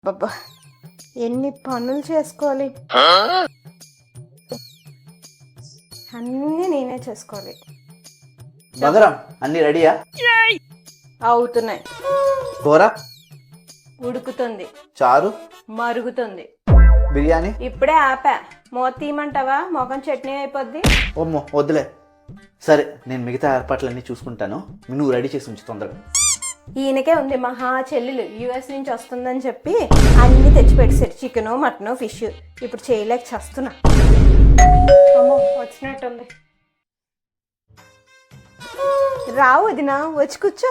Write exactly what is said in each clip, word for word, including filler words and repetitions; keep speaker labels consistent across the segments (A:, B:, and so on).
A: బాబా ఎన్ని పనులు చేసుకోవాలి, అన్నీ నేనే చేసుకోవాలి.
B: బదరం అన్ని రెడీయా?
A: అవుతున్నాయి.
B: కూర
A: ఉడుకుతుంది,
B: చారు
A: మరుగుతుంది.
B: బిర్యానీ
A: ఇప్పుడే ఆపా. మూత తీయమంటావా? మొఖం చట్నీ అయిపోద్ది.
B: ఓమ్మో వద్దులే. సరే నేను మిగతా ఏర్పాట్లన్నీ చూసుకుంటాను, నువ్వు రెడీ చేసి ఉంచు తొందరగా.
A: ఈయనకే ఉంది మహా చెల్లెలు యుఎస్ నుంచి వస్తుందని చెప్పి అన్ని తెచ్చి పెట్టేశారు, చికెన్ మటన్ ఫిష్. ఇప్పుడు చేయలేక చస్తున్నా. అమ్మో వచ్చినట్టుంది. రావు వదినా, వచ్చి కూర్చో.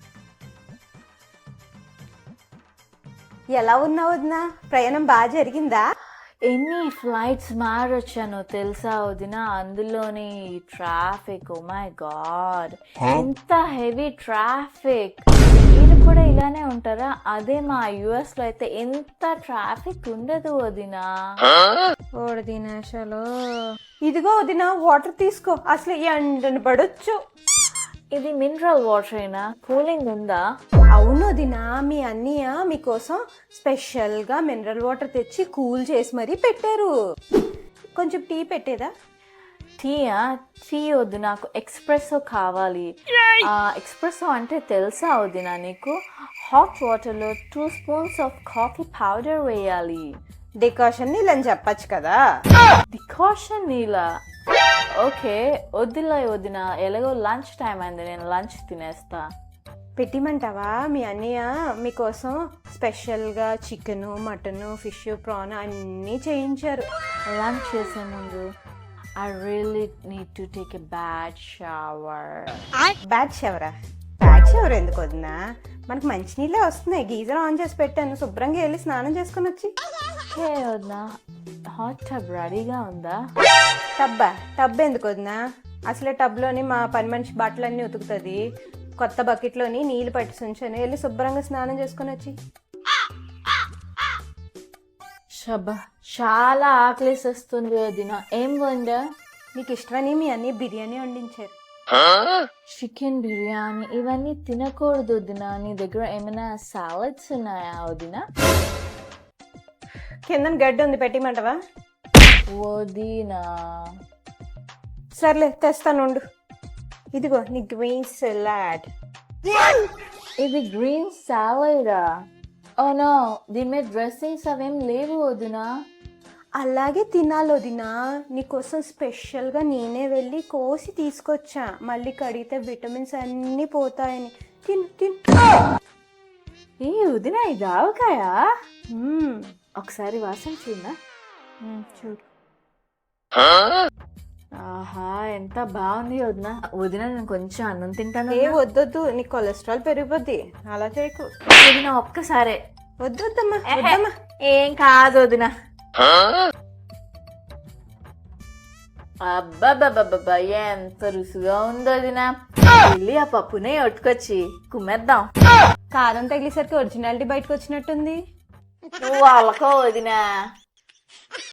A: ఎలా ఉన్నావు వదినా? ప్రయాణం బాగా జరిగిందా?
C: ఎన్ని ఫ్లైట్స్ మారొచ్చానో తెలుసా వదిన, అందులోని ట్రాఫిక్. ఓ మై గాడ్, ఎంత హెవీ ట్రాఫిక్. మీరు కూడా ఇలానే ఉంటారా? అదే మా యుఎస్ లో అయితే ఎంత ట్రాఫిక్ ఉండదు వదిన.
A: ఓడి దినేషాలు, ఇదిగో వదినా వాటర్ తీసుకో, అసలు ఎండను పడొచ్చు.
C: ఇది మినరల్ వాటర్ అయినా కూలింగ్ ఉందా?
A: అవును వదినా, మీ అన్నయ్య మీకోసం స్పెషల్ గా మినరల్ వాటర్ తెచ్చి కూల్ చేసి మరీ పెట్టారు. కొంచెం టీ పెట్టేదా?
C: టీయా? టీ వద్దు, నాకు ఎక్స్ప్రెసో కావాలి. ఎక్స్ప్రెసో అంటే తెలుసా వదిన నీకు? హాట్ వాటర్ లో two spoons of coffee powder వేయాలి.
A: డికాషన్ నీళ్ళని చెప్పచ్చు కదా.
C: డికాషన్ నీళ్ళ? ఓకే వద్దులే వదిన, ఎలాగో లంచ్ టైం అయింది, నేను లంచ్ తినేస్తా.
A: పెట్టిమంటావా? మీ అన్నయ్య మీకోసం స్పెషల్గా చికెను మటను ఫిష్ ప్రాన్ అన్నీ చేయించారు.
C: లంచ్ చేసే ముందు I really need to take a bad shower.
A: Bad షవరా? బ్యాడ్ షవర్ ఎందుకు వదినా? మనకు మంచినీళ్ళే వస్తున్నాయి. గీజర్ ఆన్ చేసి పెట్టాను, శుభ్రంగా వెళ్ళి స్నానం చేసుకుని వచ్చి.
C: హే వదినా, హాట్ టబ్ రెడీగా ఉందా?
A: టబ్బా? టబ్ ఎందుకు వదినా? అసలే టబ్లోని మా పని మనిషి బట్టలన్నీ ఉతుకుతుంది. కొత్త బకెట్లోని నీళ్ళు పట్టి ఉంచాను, వెళ్ళి శుభ్రంగా స్నానం చేసుకుని వచ్చి.
C: షబ్బా, చాలా ఆకలిస్తుంది వదిన. ఏం వండా?
A: నీకు ఇష్టమని మీ అన్ని బిర్యానీ వండించారు.
C: చికెన్ బిర్యానీ ఇవన్నీ తినకూడదు వదిన. నీ దగ్గర ఏమైనా సాలడ్స్ ఉన్నాయా వదిన?
A: కింద గడ్డి ఉంది, పెట్టిమంటవా?
C: వదినా
A: సర్లే తెస్తాను ఉండు. ఇదిగో నీ గ్రీన్ సలాడ్.
C: ఇది గ్రీన్ సాలడా? ఓ నో, దీని మీద డ్రెస్సింగ్స్ అవేం లేవు వదినా.
A: అలాగే తినాలి వదినా. నీకోసం స్పెషల్గా నేనే వెళ్ళి కోసి తీసుకొచ్చా. మళ్ళీ కడిగితే విటమిన్స్ అన్నీ పోతాయని. తిను తిను.
C: ఏ వదినా, ఇది ఆవకాయా?
A: మ్మ్.
C: ఒకసారి వాసన చూడనా?
A: మ్మ్, చూడు.
C: ఆహా, ఎంత బాగుంది వదిన. వదిన నేను కొంచెం అన్నం తింటాను.
A: ఏ వద్దొద్దు, నీ కొలెస్ట్రాల్ పెరిగిపోద్ది. అలా చేయకు
C: వదిన, ఒక్కసారే.
A: వద్దొద్దమ్మా, వద్దమ్మా.
C: ఏం కాదు వదిన. అబ్బాబ్బాబ్బా, ఎంత రుచిగా ఉందో వదిన. వెళ్ళి ఆ పప్పునే ఒట్టుకొచ్చి కుమ్మేద్దాం.
A: కారం తగిలేసరికి ఒరిజినాలిటీ బయటకు వచ్చినట్టుంది.
C: నువ్వు వాళ్ళకో వదినా.